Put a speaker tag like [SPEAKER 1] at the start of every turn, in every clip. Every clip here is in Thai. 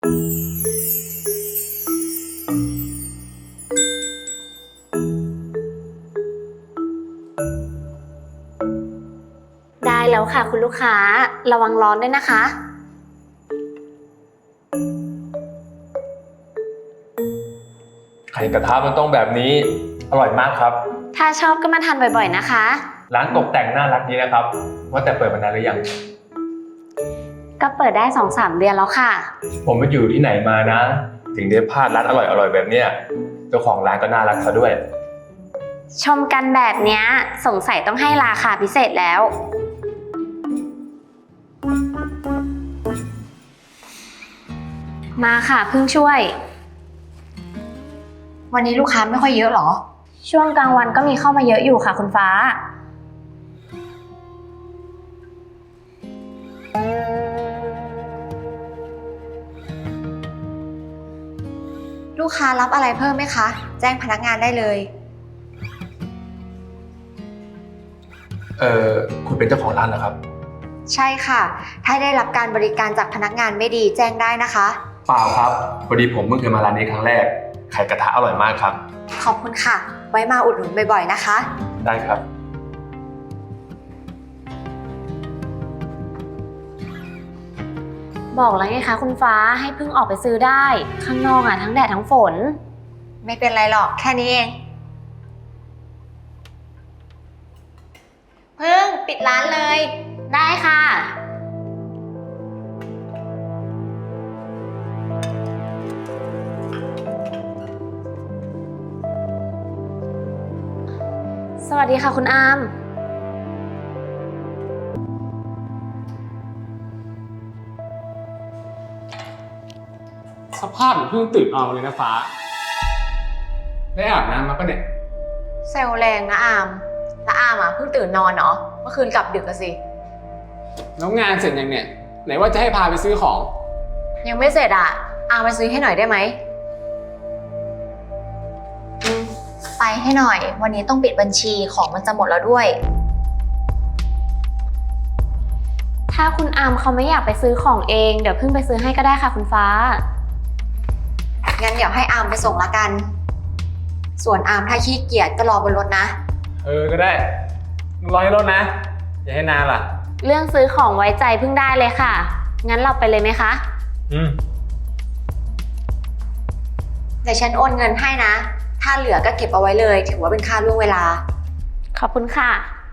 [SPEAKER 1] ได้แล้วค่ะคุณลูกค้าระวังร้อนด้วยนะคะ
[SPEAKER 2] ไข่กระทะมันต้องแบบนี้อร่อยมากครับ
[SPEAKER 1] ถ้าชอบก็มาทานบ่อยๆนะคะ
[SPEAKER 2] ร้านตกแต่งน่ารักดีนะครับว่าแต่เปิดมานานหรือยัง
[SPEAKER 1] ก็เปิดได้ 2-3 เดือนแล้วค่ะ
[SPEAKER 2] ผมไปอยู่ที่ไหนมานะถึงได้พลาดร้านอร่อยๆแบบเนี้ยเจ้าของร้านก็น่ารักซะด้วย
[SPEAKER 1] ชมกันแบบเนี้ยสงสัยต้องให้ราคาพิเศษแล้วมาค่ะเพิ่งช่วย
[SPEAKER 3] วันนี้ลูกค้าไม่ค่อยเยอะหรอ
[SPEAKER 1] ช่วงกลางวันก็มีเข้ามาเยอะอยู่ค่ะคุณฟ้า
[SPEAKER 3] ลูกค้ารับอะไรเพิ่มไหมคะแจ้งพนักงานได้เลย
[SPEAKER 2] คุณเป็นเจ้าของร้านเหรอครับ
[SPEAKER 3] ใช่ค่ะถ้าได้รับการบริการจากพนักงานไม่ดีแจ้งได้นะคะ
[SPEAKER 2] เปล่าครับพอดีผมเพิ่งเคยมาร้านนี้ครั้งแรกไข่กระทะอร่อยมากครับ
[SPEAKER 3] ขอบคุณค่ะไว้มาอุดหนุนบ่อยๆนะคะ
[SPEAKER 2] ได้ครับ
[SPEAKER 1] บอกแล้วไงคะคุณฟ้าให้เพิ่งออกไปซื้อได้ข้างนอกทั้งแดดทั้งฝน
[SPEAKER 3] ไม่เป็นไรหรอกแค่นี้เองเพิ่งปิดร้านเลย
[SPEAKER 1] ได้ค่ะสวัสดีค่ะคุณอาม
[SPEAKER 4] สภาพเหมือนเพิ่งตื่นนอนเลยนะฟ้าได้อาบน้ำมาปะเนี่ย
[SPEAKER 3] เซลแรงนะอามแล้วอามเพิ่งตื่นนอนเหรอเมื่อคืนกลับดึกอะสิ
[SPEAKER 4] แล้วงานเสร็จยังเนี่ยไหนว่าจะให้พาไปซื้อของ
[SPEAKER 3] ยังไม่เสร็จอะอามไปซื้อให้หน่อยได้ไหมไปให้หน่อยวันนี้ต้องปิดบัญชีของมันจะหมดแล้วด้วย
[SPEAKER 1] ถ้าคุณอามเขาไม่อยากไปซื้อของเองเดี๋ยวเพิ่งไปซื้อให้ก็ได้ค่ะคุณฟ้า
[SPEAKER 3] งั้นเดี๋ยวให้อามไปส่งละกันส่วนอามถ้าขี้เกียจก็รอบนรถนะ
[SPEAKER 4] ก็ได้รอให้รถนะอย่าให้นานล่ะ
[SPEAKER 1] เรื่องซื้อของไว้ใจเพิ่งได้เลยค่ะงั้นเราไปเลยไหมคะ
[SPEAKER 3] เดี๋ยวฉันโอนเงินให้นะถ้าเหลือก็เก็บเอาไว้เลยถือว่าเป็นค่าล่วงเวลา
[SPEAKER 1] ขอบคุณค่ะ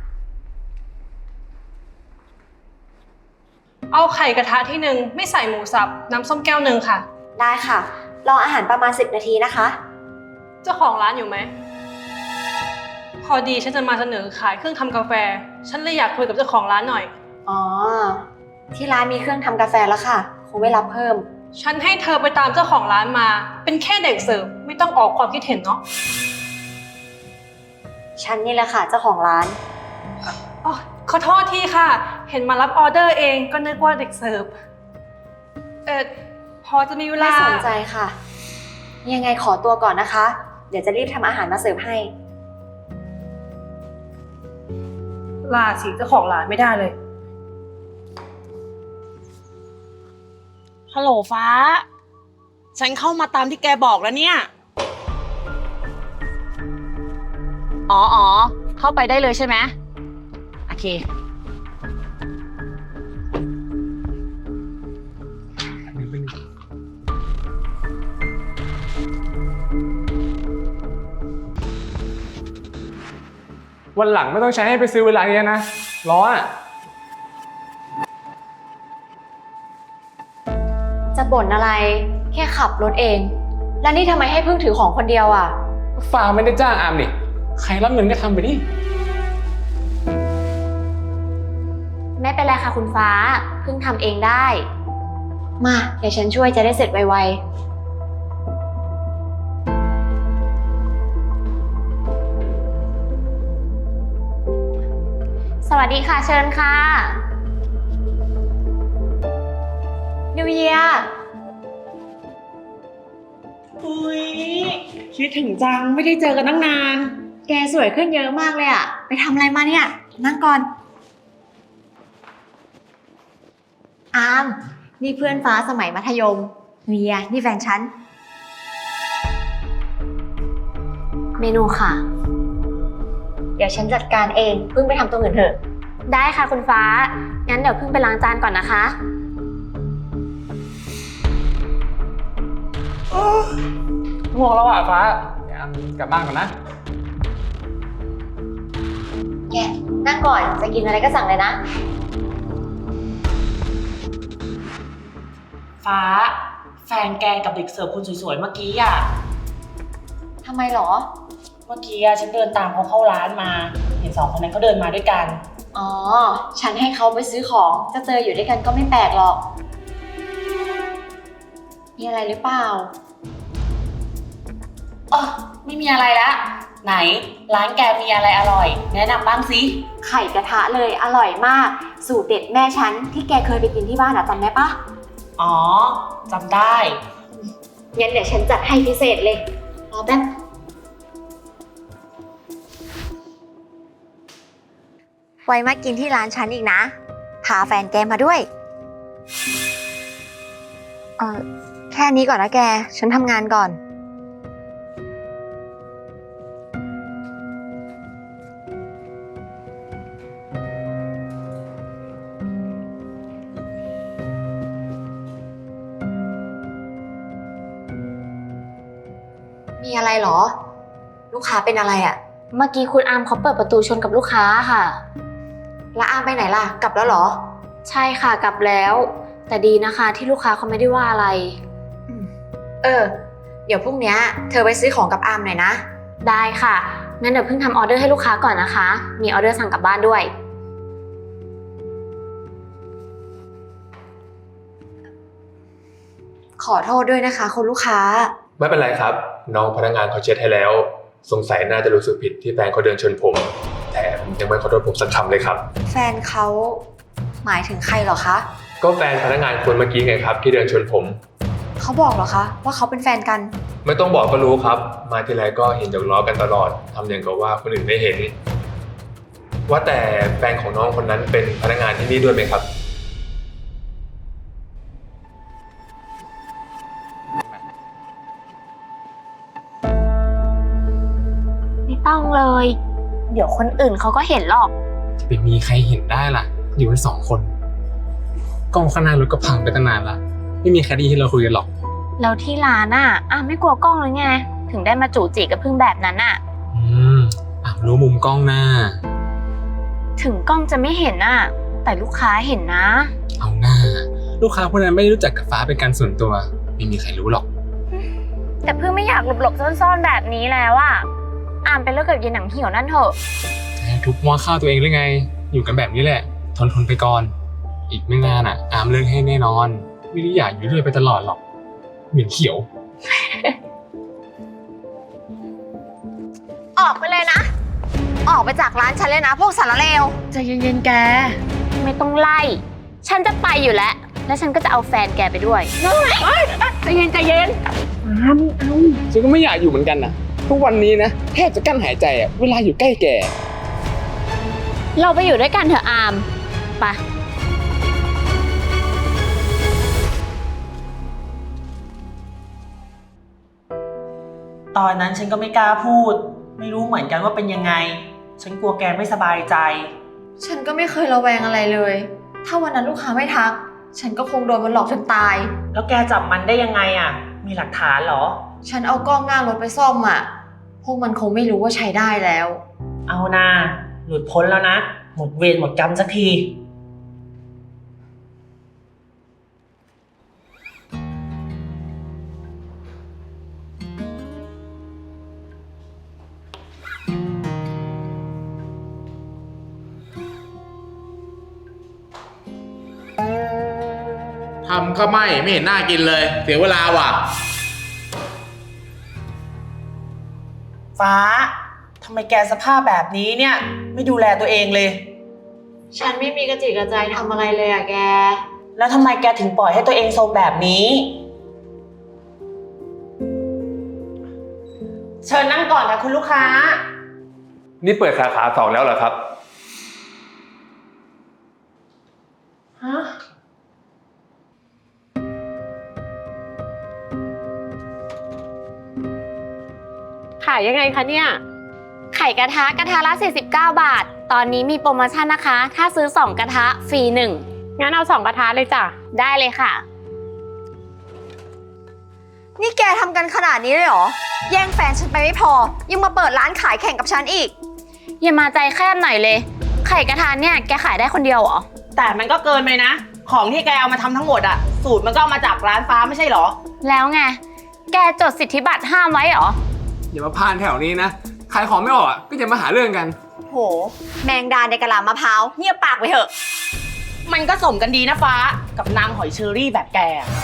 [SPEAKER 5] เอาไข่กระทะที่1ไม่ใส่หมูสับน้ำส้มแก้ว1ค่ะ
[SPEAKER 3] ได้ค่ะรออาหารประมาณ10 นาทีนะคะ
[SPEAKER 5] เจ้าของร้านอยู่ไหมพอดีฉันจะมาเสนอขายเครื่องทำกาแฟฉันเลยอยากคุยกับเจ้าของร้านหน่อย
[SPEAKER 3] อ๋อที่ร้านมีเครื่องทำกาแฟแล้วค่ะคงไม่รับเพิ่ม
[SPEAKER 5] ฉันให้เธอไปตามเจ้าของร้านมาเป็นแค่เด็กเสิร์ฟไม่ต้องออกความคิดเห็นเนาะ
[SPEAKER 3] ฉันนี่แหละค่ะเจ้าของร้าน
[SPEAKER 5] อ๋อขอโทษทีค่ะเห็นมารับออเดอร์เองก็นึกว่าเด็กเสิร์ฟพอจะมีเวลา
[SPEAKER 3] ไม่สนใจค่ะยังไงขอตัวก่อนนะคะเดี๋ยวจะรีบทำอาหารมาเสิร์ฟให้
[SPEAKER 5] ลาสิเจ้าของร้านไม่ได้เลย
[SPEAKER 6] ฮัลโหลฟ้าฉันเข้ามาตามที่แกบอกแล้วเนี่ยอ๋อเข้าไปได้เลยใช่ไหมโอเค
[SPEAKER 4] วันหลังไม่ต้องใช้ให้ไปซื้อเวลาเนี้ยนะร้อน
[SPEAKER 3] จะบ่นอะไรแค่ขับรถเองแล้วนี่ทำไมให้เพิ่งถือของคนเดียวอ่ะ
[SPEAKER 4] ฟ้าไม่ได้จ้างอามนี่ใครรับเงินก็ทำไปดิ
[SPEAKER 1] ไม่เป็นไรค่ะคุณฟ้าเพิ่งทำเองได้
[SPEAKER 3] มาเดี๋ยวฉันช่วยจะได้เสร็จไว
[SPEAKER 1] สวัสดีค่ะเชิญค่ะ
[SPEAKER 3] นิวเยียร์
[SPEAKER 6] อุ้ยคิดถึงจังไม่ได้เจอกันตั้งนาน
[SPEAKER 3] แกสวยขึ้นเยอะมากเลยอ่ะไปทำอะไรมาเนี่ยนั่งก่อนอามนี่เพื่อนฟ้าสมัยมัธยมเวียนี่แฟนฉัน
[SPEAKER 1] เมนูค่ะ
[SPEAKER 3] เดี๋ยวฉันจัดการเองเพิ่งไปทำตัวอื่นเถอะ
[SPEAKER 1] ได้ค่ะคุณฟ้า งั้นเดี๋ยวเพิ่งไปล้างจานก่อนนะคะ
[SPEAKER 4] ง่วงแล้วอ่ะฟ้าเดี๋ยวกลับบ้านก่อนนะ
[SPEAKER 3] แกนั่งก่อนจะกินอะไรก็สั่งเลยนะ
[SPEAKER 6] ฟ้า แฟนแกกับเด็กเสิร์ฟคนสวยๆเมื่อกี้อ่ะ
[SPEAKER 3] ทำไมหรอ
[SPEAKER 6] เมื่อกี้ฉันเดินตามเขาเข้าร้านมา เห็น2 คนนั้นเขาเดินมาด้วยกัน
[SPEAKER 3] อ๋อ ฉันให้เขาไปซื้อของ จะเจออยู่ด้วยกันก็ไม่แปลกหรอก มีอะไรหรือเปล่า
[SPEAKER 6] อ๋อไม่มีอะไรละไหนร้านแกมีอะไรอร่อย แนะนำบ้างสิ
[SPEAKER 3] ไข่กระทะเลยอร่อยมาก สูตรเด็ดแม่ฉันที่แกเคยไปกินที่บ้านอะจำได้ปะ
[SPEAKER 6] อ๋อจำได้
[SPEAKER 3] งั้นเดี๋ยวฉันจัดให้พิเศษเลย รอแป๊บ ไว้มากินที่ร้านฉันอีกนะ พาแฟนแกมาด้วย แค่นี้ก่อนนะแก ฉันทำงานก่อน มีอะไรเหรอ ลูกค้าเป็นอะไรอะ
[SPEAKER 1] เมื่อกี้คุณอาร์มเขาเปิดประตูชนกับลูกค้าค่ะ
[SPEAKER 3] แล้วอามไปไหนล่ะ กลับแล้วเหรอ
[SPEAKER 1] ใช่ค่ะกลับแล้ว แต่ดีนะคะที่ลูกค้าเขาไม่ได้ว่าอะไร
[SPEAKER 3] เดี๋ยวพรุ่งนี้เธอไปซื้อของกับอามหน่อยนะ
[SPEAKER 1] ได้ค่ะ งั้นเดี๋ยวเพิ่งทำออเดอร์ให้ลูกค้าก่อนนะคะ มีออเดอร์สั่งกลับบ้านด้วย
[SPEAKER 3] ขอโทษด้วยนะคะคุณลูกค้า
[SPEAKER 2] ไม่เป็นไรครับ น้องพนักงานเขาเช็ดให้แล้ว สงสัยน่าจะรู้สึกผิดที่แฟนเขาเดินชนผมแถมยังไม่ขอโทษผมสักคำเลยครับ
[SPEAKER 3] แฟนเขาหมายถึงใครเหรอคะ
[SPEAKER 2] ก็แฟนพนักงานคนเมื่อกี้ไงครับที่เดินชนผม
[SPEAKER 3] เขาบอกเหรอคะว่าเขาเป็นแฟนกัน
[SPEAKER 2] ไม่ต้องบอกก็รู้ครับ มาทีไรก็เห็นหยอกล้อกันตลอดทำอย่างกับว่าคนอื่นไม่เห็น ว่าแต่แฟนของน้องคนนั้นเป็นพนักงานที่นี่ด้วยไหมครับ
[SPEAKER 1] ไม่ต้องเลย เดี๋ยวคนอื่นเขาก็เห็นหรอก
[SPEAKER 4] จะไปมีใครเห็นได้ล่ะ อยู่กัน2 คน กล้องข้างหน้ารถก็พังไปตั้งนานละไม่มีใครได้ยินที่เราคุยกันหรอก
[SPEAKER 1] แล้วที่ร้านไม่กลัวกล้องเลยไง ถึงได้มาจู่จีกับพึ่งแบบนั้น
[SPEAKER 4] รู้มุมกล้องหน้า
[SPEAKER 1] ถึงกล้องจะไม่เห็นแต่ลูกค้าเห็นนะ
[SPEAKER 4] เอาหน้า ลูกค้าคนนั้นไม่ได้รู้จักกับฟ้าเป็นการส่วนตัว ไม่มีใครรู้หรอก
[SPEAKER 1] แต่พึ่งไม่อยากหลบๆซ่อนๆแบบนี้แล้วอามไปเลิกกับยายหนังเหี่ยวนั่นเถอะ
[SPEAKER 4] ทุบหัวข้าวตัวเองหรือไง อยู่กันแบบนี้แหละ ทนไปก่อน อีกไม่นานอามเลิกให้แน่นอน ไม่ได้อยากอยู่ด้วยไปตลอดหรอกเหม็นเขียว
[SPEAKER 3] ออกไปเลยนะ ออกไปจากร้านฉันเลยนะ พวกสารเลว
[SPEAKER 6] ใจเย็นๆแก
[SPEAKER 1] ไม่ต้องไล่ ฉันจะไปอยู่แล้ว แล้วฉันก็จะเอาแฟนแกไปด้วย
[SPEAKER 6] ใจเย็น
[SPEAKER 4] ฉันก็ไม่อยากอยู่เหมือนกันนะทุกวันนี้นะแทบจะกั้นหายใจเวลาอยู่ใกล้แก
[SPEAKER 1] เราไปอยู่ด้วยกันเถอะอามไป
[SPEAKER 6] ตอนนั้นฉันก็ไม่กล้าพูด ไม่รู้เหมือนกันว่าเป็นยังไง ฉันกลัวแกไม่สบายใจ
[SPEAKER 3] ฉันก็ไม่เคยระแวงอะไรเลย ถ้าวันนั้นลูกค้าไม่ทัก ฉันก็คงโดนมันหลอกจนตาย
[SPEAKER 6] แล้วแกจับมันได้ยังไงมีหลักฐานเหรอ
[SPEAKER 3] ฉันเอากล้องหน้ารถไปซ่อมพวกมันคงไม่รู้ว่าใช้ได้แล้ว
[SPEAKER 6] เอานาหลุดพ้นแล้วนะ หมดเวรหมดกรรมสักที
[SPEAKER 7] ทำข้าวไหม้ไม่เห็นน่ากินเลย เสียเวลาว่ะ
[SPEAKER 6] ฟ้าทำไมแกสภาพแบบนี้เนี่ย ไม่ดูแลตัวเองเลย
[SPEAKER 3] ฉันไม่มีกระจิกกระใจทำอะไรเลยแก
[SPEAKER 6] แล้วทำไมแกถึงปล่อยให้ตัวเองโซมแบบนี้ เชิญนั่งก่อนค่ะคุณลูกค้า
[SPEAKER 2] นี่เปิดสาขา2แล้วเหรอครับ
[SPEAKER 6] ฮะ
[SPEAKER 5] ขายยังไงคะเนี่ย
[SPEAKER 1] ไข่กระทะละ49 บาท ตอนนี้มีโปรโมชั่นนะคะ ถ้าซื้อ 2 กระทะฟรี 1
[SPEAKER 5] งั้นเอา2กระทะเลยจ้ะ
[SPEAKER 1] ได้เลยค่ะ
[SPEAKER 3] นี่แกทำกันขนาดนี้เลยเหรอ แย่งแฟนฉันไปไม่พอ ยังมาเปิดร้านขายแข่งกับฉันอีก
[SPEAKER 1] อย่ามาใจแคบหน่อยเลย ไข่กระทะเนี่ยแกขายได้คนเดียวเหรอ
[SPEAKER 6] แต่มันก็เกินไปนะ ของที่แกเอามาทำทั้งหมดอะสูตรมันก็เอามาจากร้านฟ้าไม่ใช่เหรอ
[SPEAKER 1] แล้วไง แกจดสิทธิบัตรห้ามไว้เหรอ
[SPEAKER 4] อย่ามาพานแถวนี้นะ ขายของไม่ออกก็จะมาหาเรื่องกัน
[SPEAKER 3] โห แมงดาในกะลามะพร้าวเงียบปากไปเถอะ
[SPEAKER 6] มันก็สมกันดีนะฟ้ากับนางหอยเชอรี่แบบแก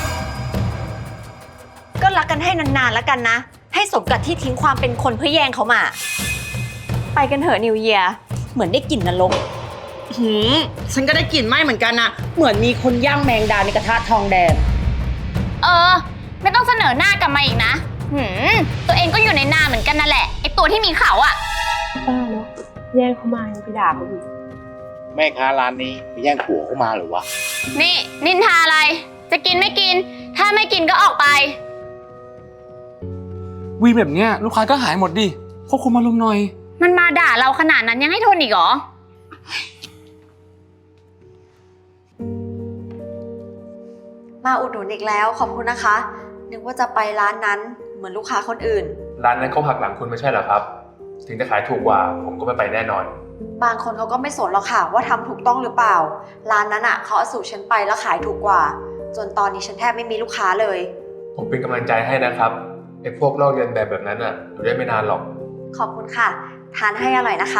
[SPEAKER 3] ก็รักกันให้นานๆแล้วกันนะ ให้สมกับที่ทิ้งความเป็นคนเพื่อแย่งเขามา ไปกันเถอะนิวเยียร์เหมือนได้กลิ่นนรก
[SPEAKER 6] ฉันก็ได้กลิ่นไหม้เหมือนกันนะเหมือนมีคนย่างแมงดาในกระทะทองแดง
[SPEAKER 1] ไม่ต้องเสนอหน้ากลับมาอีกนะตัวเองก็อยู่ในนาเหมือนกันนั่นแหละ ไอตัวที่มีเขาอะ
[SPEAKER 5] ป้าเนาะแย่งเขามายังไปด่าเขาอีก
[SPEAKER 7] แม่ค้าร้านนี้ไปแย่งผัวเข้ามาหรือวะ
[SPEAKER 1] นี่นินทาอะไร จะกินไม่กิน ถ้าไม่กินก็ออกไป
[SPEAKER 4] วีแบบเนี้ยลูกค้าก็หายหมดดิควบคุมอารมณ์หน่อย
[SPEAKER 1] มันมาด่าเราขนาดนั้นยังให้ทนอีกเหรอ
[SPEAKER 3] มาอุดหนุนอีกแล้วขอบคุณนะคะ นึกว่าจะไปร้านนั้นเหมือนลูกค้าคนอื่น
[SPEAKER 2] ร้านนั้นเขาหักหลังคุณไม่ใช่เหรอครับ ถึงจะขายถูกกว่า ผมก็ไม่ไปแน่นอน
[SPEAKER 3] บางคนเขาก็ไม่สนหรอกค่ะว่าทำถูกต้องหรือเปล่า ร้านนั้นอ่ะเขาเอาสูตรฉันไปแล้วขายถูกกว่า จนตอนนี้ฉันแทบไม่มีลูกค้าเลย
[SPEAKER 2] ผมเป็นกำลังใจให้นะครับไอ้พวกลอกเลียนแบบนั้นอ่ะอยู่ได้ไม่นานหรอก
[SPEAKER 3] ขอบคุณค่ะ ทานให้อร่อยนะคะ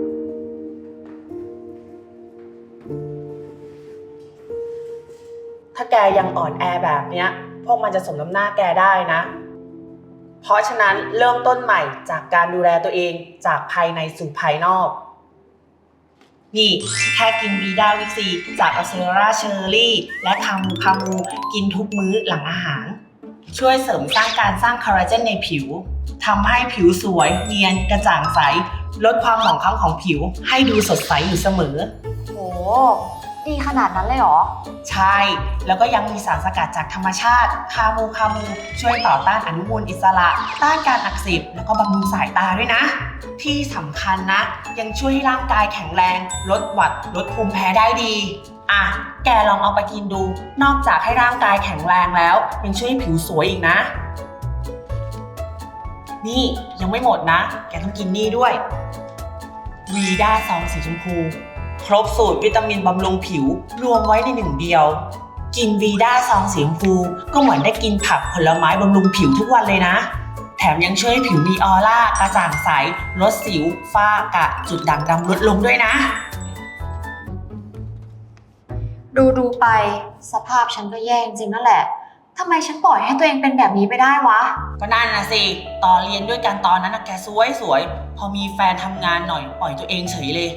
[SPEAKER 6] ถ้าแกยังอ่อนแอแบบเนี้ย พวกมันจะสมน้ำหน้าแกได้นะ เพราะฉะนั้นเริ่มต้นใหม่จากการดูแลตัวเองจากภายในสู่ภายนอก นี่แค่กินวีด้าวิซีจากอัลเซราเชอร์รี่และคามูกินทุกมื้อหลังอาหาร ช่วยเสริมสร้างการสร้างคอลลาเจนในผิวทำให้ผิวสวยเนียนกระจ่างใสลดความหมองคล้ำของผิวให้ดูสดใสอยู่เสมอ
[SPEAKER 3] โห ดีขนาดนั้นเลยเหรอ
[SPEAKER 6] ใช่ แล้วก็ยังมีสารสกัดจากธรรมชาติ คามูช่วยต่อต้านอนุมูลอิสระ ต้านการอักเสบ แล้วก็บำรุงสายตาด้วยนะ ที่สำคัญนะ ยังช่วยให้ร่างกายแข็งแรง ลดหวัด ลดภูมิแพ้ได้ดี อ่ะ แกลองเอาไปกินดู นอกจากให้ร่างกายแข็งแรงแล้ว ยังช่วยให้ผิวสวยอีกนะ นี่ยังไม่หมดนะ แกต้องกินนี่ด้วย วีด้าซองสีชมพูครบสูตรวิตามินบำรุงผิวรวมไว้ในหนึ่งเดียว กินวีด้าซองสีชมพูก็เหมือนได้กินผักผลไม้บำรุงผิวทุกวันเลยนะ แถมยังช่วยให้ผิวมีออร่ากระจ่างใสลดสิวฝ้ากระจุดด่างดำลดลงด้วยนะ
[SPEAKER 3] ดูไปสภาพฉันก็แย่จริงนั่นแหละทำไมฉันปล่อยให้ตัวเองเป็นแบบนี้ไปได้วะ
[SPEAKER 6] ก็นั่นนะสิตอนเรียนด้วยกันตอนนั้นนะแกสวยพอมีแฟนทำงานหน่อยปล่อยตัวเองเฉยเลย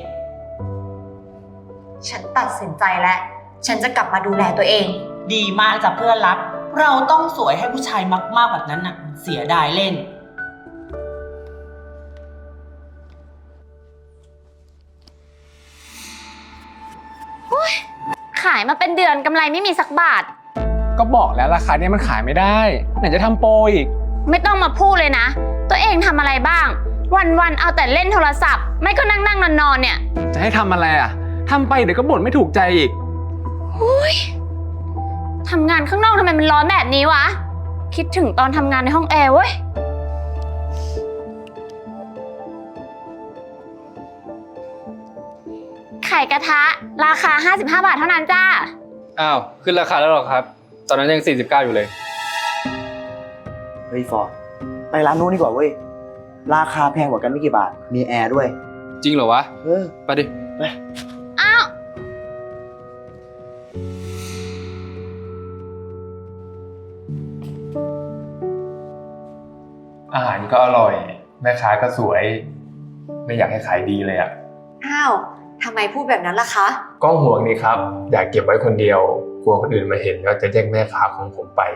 [SPEAKER 3] ฉันตัดสินใจแล้ว ฉันจะกลับมาดูแลตัวเอง
[SPEAKER 6] ดีมากจ้ะเพื่อนรัก เราต้องสวยให้ผู้ชายมากๆแบบนั้นน่ะเสียดายเล่น
[SPEAKER 1] ขายมาเป็นเดือนกำไรไม่มีสักบาท
[SPEAKER 4] ก็บอกแล้วราคาเนี้ยมันขายไม่ได้ ไหนจะทำโปรอีก
[SPEAKER 1] ไม่ต้องมาพูดเลยนะ ตัวเองทำอะไรบ้าง วันๆเอาแต่เล่นโทรศัพท์ ไม่ก็นั่งนอนเนี่ย
[SPEAKER 4] จะให้ทำอะไรอ่ะทำไปเดี๋ยวก็บ่นไม่ถูกใจอีก
[SPEAKER 1] ทำงานข้างนอกทำไมมันร้อนแบบนี้วะ คิดถึงตอนทำงานในห้องแอร์เว้ย ไข่กระทะราคา 55 บาทเท่านั้นจ้า
[SPEAKER 8] อ้าว ขึ้นราคาแล้วหรอครับ ตอนนั้นยัง 49 อยู่เลย
[SPEAKER 9] เฮ้ยฟอร์ดไปร้านนู้นดีกว่าเว้ย ราคาแพงกว่ากันไม่กี่บาท มีแอร์ด้วย
[SPEAKER 8] จริงเหรอวะ ไปดิ
[SPEAKER 9] ไป
[SPEAKER 1] อ้าว
[SPEAKER 2] อาหารก็อร่อย แม่ค้าก็สวย ไม่อยากให้ขายดีเลยอ่ะ
[SPEAKER 3] อ้าวทำไมพูดแบบนั้นล่ะคะ
[SPEAKER 2] ก็ห่วงนี่ครับ อยากเก็บไว้คนเดียว กลัวคนอื่นมาเห็นแล้วจะแย่งแม่ค้าของผมไป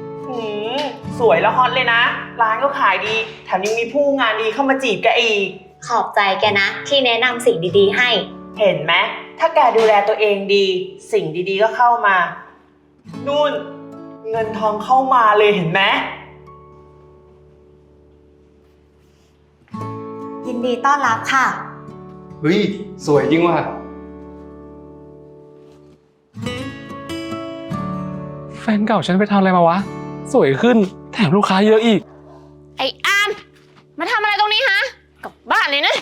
[SPEAKER 6] สวยแล้วฮอตเลยนะ ร้านก็ขายดี แถมยังมีผู้งานดีเข้ามาจีบแกอีก
[SPEAKER 3] ขอบใจแกนะ ที่แนะนำสิ่งดีๆให้
[SPEAKER 6] เห็นไหมถ้าแกดูแลตัวเองดี สิ่งดีๆก็เข้ามา นู่น เงินทองเข้ามาเลยเห็นไหม
[SPEAKER 3] ยินดีต้อนรับค่ะ
[SPEAKER 8] เฮ้ย สวยจริงว่ะ
[SPEAKER 4] แฟนเก่าฉันไปทำอะไรมาวะ สวยขึ้นแถมลูกค้าเยอะอีก
[SPEAKER 1] ไอ้อามมาทำอะไรตรงนี้ฮะกลับบ้านเลยนะ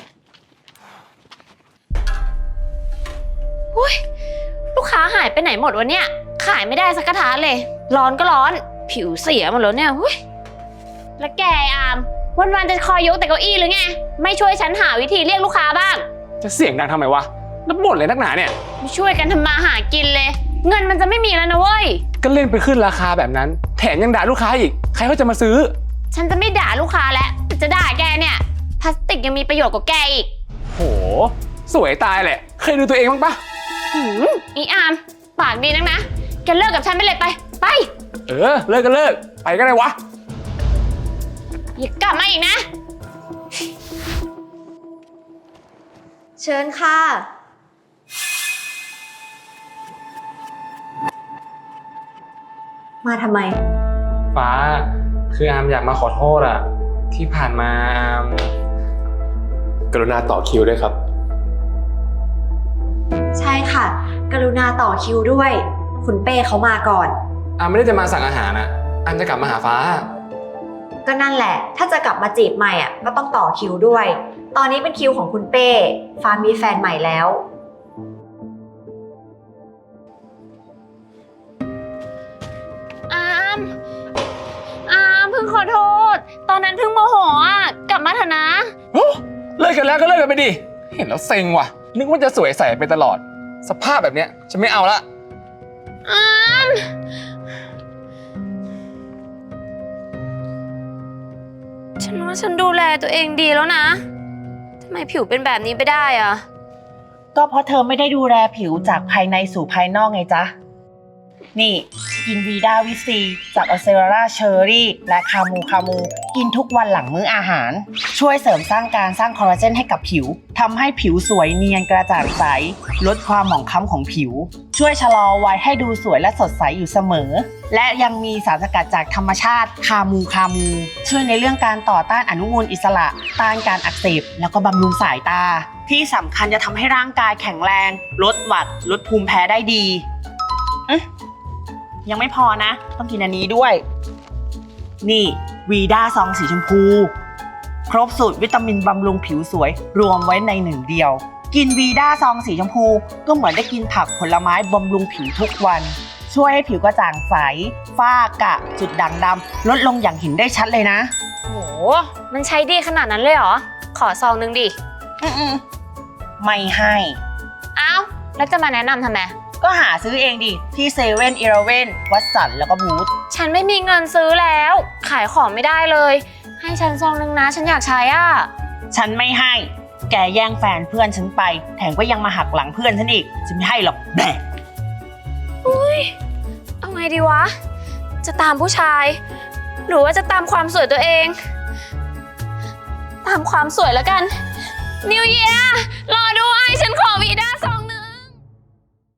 [SPEAKER 1] อุ้ยลูกค้าหายไปไหนหมดวะเนี่ย ขายไม่ได้สักกระทะเลย ร้อนก็ร้อน ผิวเสียหมดแล้วเนี่ยอุ้ยแล้วแกไอ้อามวันๆจะคอยยกแต่เก้าอี้หรือไง ไม่ช่วยฉันหาวิธีเรียกลูกค้าบ้าง
[SPEAKER 4] จะเสียงดังทำไมวะแล้วบ่นเลยนักหนาเนี่ย
[SPEAKER 1] ไม่ช่วยกันทำมาหากินเลย เงินมันจะไม่มีแล้วนะเว้ย
[SPEAKER 4] ก็เล่นไปขึ้นราคาแบบนั้น แถมยังด่าลูกค้าอีก ใครเขาจะมาซื้อ
[SPEAKER 1] ฉันจะไม่ด่าลูกค้าแล้วแต่จะด่าแกเนี่ยพลาสติกยังมีประโยชน์กว่าแกอีก
[SPEAKER 4] โห สวยตายแหละ เคยดูตัวเองบ้างปะ
[SPEAKER 1] อีอามปากดีนักนะแกเลิกกับฉันไปเลยไป
[SPEAKER 4] เออ เลิกก็เลิก ไปก็ได้วะ
[SPEAKER 1] อย่ากลับมาอีกนะ
[SPEAKER 3] เชิญค่ะ มาทำไม
[SPEAKER 4] ฟ้า คืออามอยากมาขอโทษอะที่ผ่านมาอาม
[SPEAKER 2] กรุณาต่อคิวด้วยครับ
[SPEAKER 3] ใช่ค่ะ กรุณาต่อคิวด้วย คุณเป้เขามาก่อน
[SPEAKER 4] อามไม่ได้จะมาสั่งอาหารนะอามจะกลับมาหาฟ้า
[SPEAKER 3] ก็นั่นแหละ ถ้าจะกลับมาจีบใหม่อ่ะ ก็ต้องต่อคิวด้วย ตอนนี้เป็นคิวของคุณเป้ ฟ้ามีแฟนใหม่แล้ว
[SPEAKER 1] อามเพิ่งขอโทษ ตอนนั้นเพิ่งโมโหอ่ะกลับมาเถอะนะ
[SPEAKER 4] เลิกกันแล้วก็เลิกกันไปดิ เห็นแล้วเซ็งว่ะ นึกว่าจะสวยใสไปตลอด สภาพแบบเนี้ยฉันไม่เอาละ
[SPEAKER 1] อามฉันว่าฉันดูแลตัวเองดีแล้วนะทำไมผิวเป็นแบบนี้ไปได้อ่ะ
[SPEAKER 6] ก็เพราะเธอไม่ได้ดูแลผิวจากภายในสู่ภายนอกไงจ๊ะ นี่กินวีด้าวิซีจากอ c เซราเชอร์รี่และคามูกินทุกวันหลังมื้ออาหาร ช่วยเสริมสร้างการสร้างคอลลาเจนให้กับผิวทำให้ผิวสวยเนียนกระจ่างใสลดความหมองคล้ำของผิว ช่วยชะลอวัยให้ดูสวยและสดใสอยู่เสมอ และยังมีสารสกัดจากธรรมชาติคามูช่วยในเรื่องการต่อต้านอนุมูลอิสระต้านการอักเสบแล้วก็บำรุงสายตา ที่สำคัญจะทำให้ร่างกายแข็งแรงลดหวัดลดภูมิแพ้ได้ดียังไม่พอนะต้องกินอันนี้ด้วยนี่วีด้าซองสีชมพูครบสูตรวิตามินบำรุงผิวสวยรวมไว้ในหนึ่งเดียวกินวีด้าซองสีชมพูก็เหมือนได้กินผักผลไม้บำรุงผิวทุกวันช่วยให้ผิวกระจ่างใสฝ้ากระจุดด่างดำลดลงอย่างเห็นได้ชัดเลยนะ
[SPEAKER 1] โหมันใช้ดีขนาดนั้นเลยเหรอขอซองนึงดิ
[SPEAKER 6] ไม่ให้
[SPEAKER 1] อ้าวแล้วจะมาแนะนำทำไม
[SPEAKER 6] ก็หาซื้อเองดิที่เซเว่นอีเลฟเว่นวัตสันแล้วก็บูธ
[SPEAKER 1] ฉันไม่มีเงินซื้อแล้ว ขายของไม่ได้เลย ให้ฉันซองนึงนะฉันอยากใช้อ่ะ
[SPEAKER 6] ฉันไม่ให้แกแย่งแฟนเพื่อนฉันไปแถมก็ยังมาหักหลังเพื่อนฉันอีกฉันไม่ให้หรอกแบะ
[SPEAKER 1] เอาไงดีวะ จะตามผู้ชาย หรือว่าจะตามความสวยตัวเอง ตามความสวยแล้วกัน นิวเยียรอด้วยฉันขอวีด้าซอง